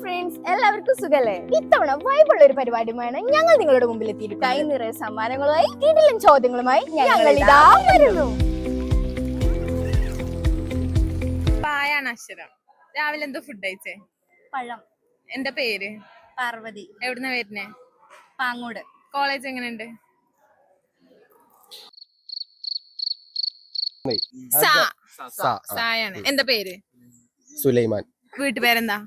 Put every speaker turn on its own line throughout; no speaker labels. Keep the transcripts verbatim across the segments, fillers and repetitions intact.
Friends, എല്ലാവർക്കും സുഖല്ലേ? ഇത്തവണ വൈബുള്ള ഒരു പരിപാടിയുമാണ് ഞങ്ങൾ നിങ്ങളുടെ മുമ്പിൽ എത്തിയിട്ട് കൈ നിറയെ സമ്മാനങ്ങളുമായി കിടിലൻ ചോദ്യങ്ങളുമായി ഞങ്ങൾ ഇതാ വരുന്നു.
പായാണ് അക്ഷരം. രാവിലെ എന്തോ ഫുഡ് കഴിച്ചേ?
പഴം.
എന്താ പേര്?
പാർവതി.
എവിടുന്ന വരുന്നേ?
പാങ്ങോട്.
കോളേജ് എങ്ങനെയുണ്ട്? സായാണ്. എന്താ പേര്?
സുലൈമാൻ.
വീട്ടുപേരെന്താ?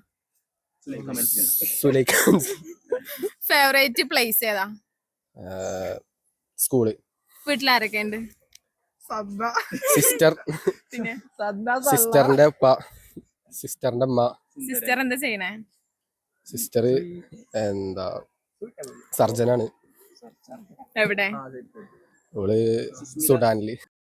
ഫേവറേറ്റ് പ്ലേസ് ഏതാ?
സ്കൂള്.
വീട്ടിലാരൊക്കെ ഉണ്ട്?
സിസ്റ്റർ.
പിന്നെ
സിസ്റ്ററിന്റെ ഉപ്പ, സിസ്റ്ററിന്റെ അമ്മ.
സിസ്റ്റർ എന്താ ചെയ്യണേ?
സിസ്റ്റർ എന്താ സർജനാണ്.
എവിടെ?
ഓള് സുഡാനില്.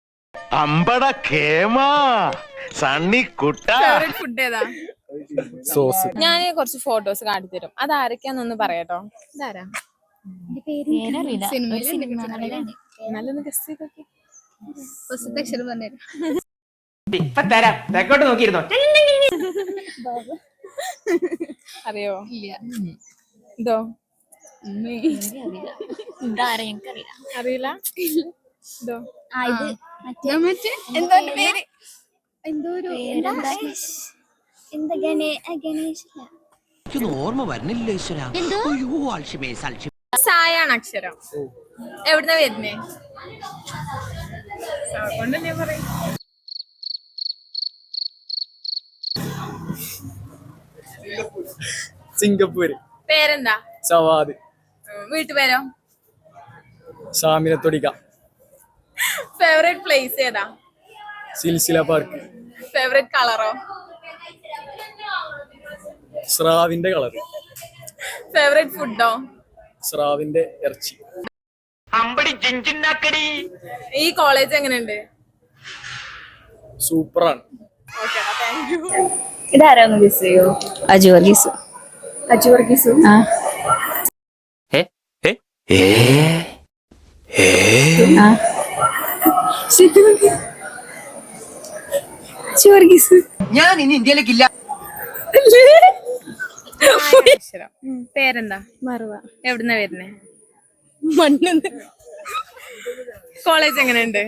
ഫേവറേറ്റ് ഫുഡ് ഏതാ?
സോസ്.
ഞാൻ കുറച്ച് ഫോട്ടോസ് കാട്ടിത്തരും. അത് ആരൊക്കെയാന്നൊന്ന് പറയാട്ടോ. ഇതാരാ? നല്ലൊന്ന് ഗസ് ചെയ്തോക്കെ. അറിയോ? ഇതോ അറിയില്ല. ഇതോ
എന്തോ പേര് എന്തോ ഒരു
ഓർമ്മ വരുന്നില്ല.
സായാണ് അക്ഷരം. എവിടുന്ന വരുന്നേ? കൊണ്ടല്ലേ പറയും.
സിംഗപ്പൂര്.
പേരെന്താ?
സവാദ്.
വീട്ടുപേരോ?
സാമിനത്തൊടിക്ക.
ഫേവറേറ്റ് പ്ലേസ് ഏതാ?
സിൽസില പാർക്ക്.
ഫേവറേറ്റ് കളറോ?
സ്രാവിന്റെ കളർ.
ഫേവറേറ്റ് ഫുഡോ?
സ്രാവിന്റെ ഇറച്ചി.
ഈ കോളേജ് എങ്ങനെയുണ്ട്?
സൂപ്പറാണ്.
ഇതാരാന്ന് ഗസ് ചെയ്യോ? അജു വർഗീസ്. അജു വർഗീസ്. ആ
ഞാൻ ഇനി ഇന്ത്യയിലേക്കില്ല.
പേരെന്താ?
മറുവ.
എവിടുന്ന വരുന്നേ?
മണ്ണെന്ന്.
കോളേജ് എങ്ങനെയുണ്ട്?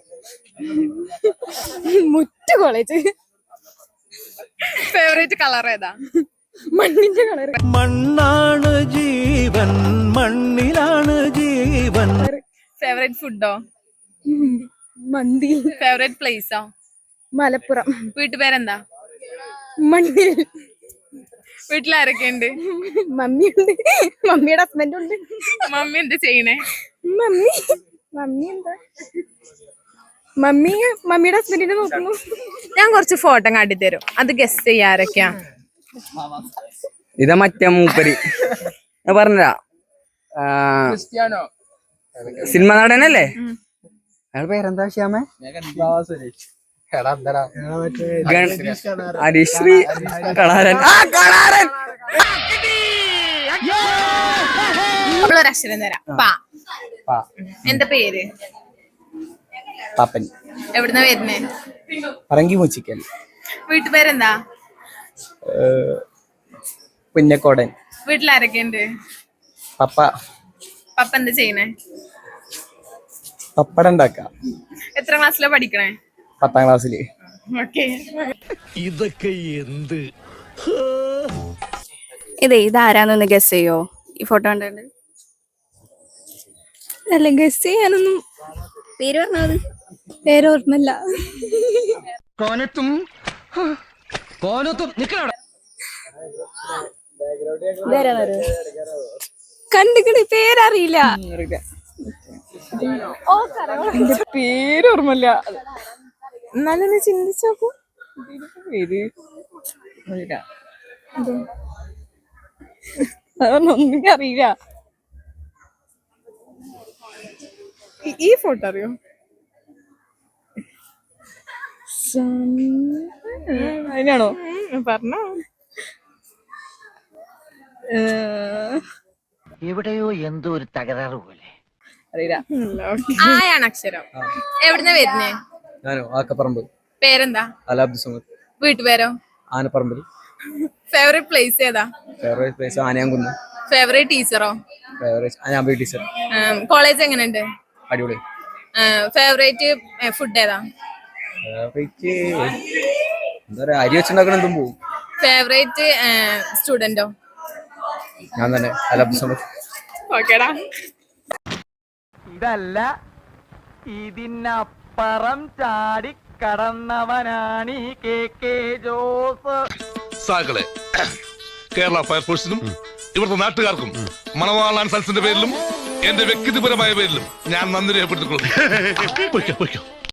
മുറ്റ കോളേജ്.
ഫേവറേറ്റ് കളർ ഏതാ?
മണ്ണിന്റെ കളർ.
മണ്ണാണ് ജീവൻ, മണ്ണിലാണ് ജീവൻ.
ഫേവറേറ്റ് ഫുഡോ?
മന്തി.
ഫേവറേറ്റ് പ്ലേസോ?
മലപ്പുറം.
വീട്ടുപേരെന്താ?
മണ്ണിൽ.
വീട്ടിലാരൊക്കെ ഉണ്ട്?
മമ്മിയുണ്ട്, മമ്മിയുടെ ഹസ്ബൻഡ് ഉണ്ട്.
മമ്മി എന്താ ചെയ്യണേ?
മമ്മി മമ്മി എന്താ മമ്മി മമ്മിയുടെ ഹസ്ബൻഡിനെ നോക്കുന്നു.
ഞാൻ കുറച്ച് ഫോട്ടോ കാട്ടിത്തരും. അത് ഗസ് ചെയ്യാരൊക്കെയാ?
ഇതാ മറ്റേ മൂപ്പര് പറഞ്ഞാ സിനിമ നടനല്ലേ? അയാൾ പേരെന്താ? ശ്യാമേ ഹരിശ്രീ കളാരൻ.
ഒരക്ഷരം തരാം. പാ. എന്താ പേര്?
പാപ്പൻ.
എവിടുന്ന വരുന്നേ?
പറങ്കി മൂച്ചിക്കൽ.
വീട്ടുപേരെന്താ?
പുന്നക്കോടൻ.
വീട്ടിലാരൊക്കെ ഉണ്ട്?
പപ്പ.
പപ്പ എന്താ ചെയ്യണേ?
പപ്പടം ഉണ്ടാക്ക.
എത്ര ക്ലാസ്സിലാ പഠിക്കണേ?
പത്താം ക്ലാസ്സില്.
ഓക്കേ.
ഇതൊക്കെ എന്ത്?
ഇതേ ഇതാരാന്നൊന്ന് ഗസ് ചെയ്യോ? ഈ ഫോട്ടോ കണ്ടിട്ട് അല്ല ഗസ് ചെയ്യാനൊന്നും. പേര് പറഞ്ഞത് പേര് ഓർമ്മല്ല.
കോനത്തും കോനത്തും നിക്കണ
കണ്ടിക്കണ പേരറിയില്ല. പേര് ഓർമ്മല്ല. എന്നാലും ചിന്തിച്ചോക്കൂ. പേര് അതൊന്നും അറിയില്ല.
ഈ ഫോട്ടോ അറിയോ?
അതിനാണോ
പറഞ്ഞോ?
എവിടെയോ എന്തോ ഒരു തകരാറ് പോലെ.
അറിയില്ല.
ആയാണ് അക്ഷരം. എവിടുന്ന വരുന്നേ?
ഞാനോ ആക്കപ്പറമ്പ്.
പേരെന്താ?
അലാബ്ദു സമദ്.
വീട്ടുപേരോ?
ആനപ്പറമ്പിൽ.
ഫേവറേറ്റ് പ്ലേസ് ഏതാ?
Favourite place Anayamkunnu.
ഫേവറേറ്റ് ടീച്ചറോ?
Favourite Anabi teacher.
കോളേജ് എങ്ങനെയുണ്ട്?
അടിപൊളി.
ഫേവറേറ്റ് ഫുഡ് ഏതാ?
ഫേവറേറ്റ് എന്താ പറയാ, അരി വെച്ചുണ്ടാക്കണ എന്തും പോകും.
ഫേവറേറ്റ് സ്റ്റുഡന്റോ?
ഞാൻ തന്നെ അല്ല.
ഓക്കേടാ.
ഇതല്ല ഇതിനപ്പുറം ചാടി കടന്നവനാണ് ഈ കെ കെ ജോസ്.
സാക്കളെ, കേരള ഫയർഫോഴ്സിനും ഇവിടുത്തെ നാട്ടുകാർക്കും മണവാളാൻ സൽസിന്റെ പേരിലും എന്റെ വ്യക്തിപരമായ പേരിലും ഞാൻ നന്ദി രേഖപ്പെടുത്തിക്കൊള്ളുന്നു.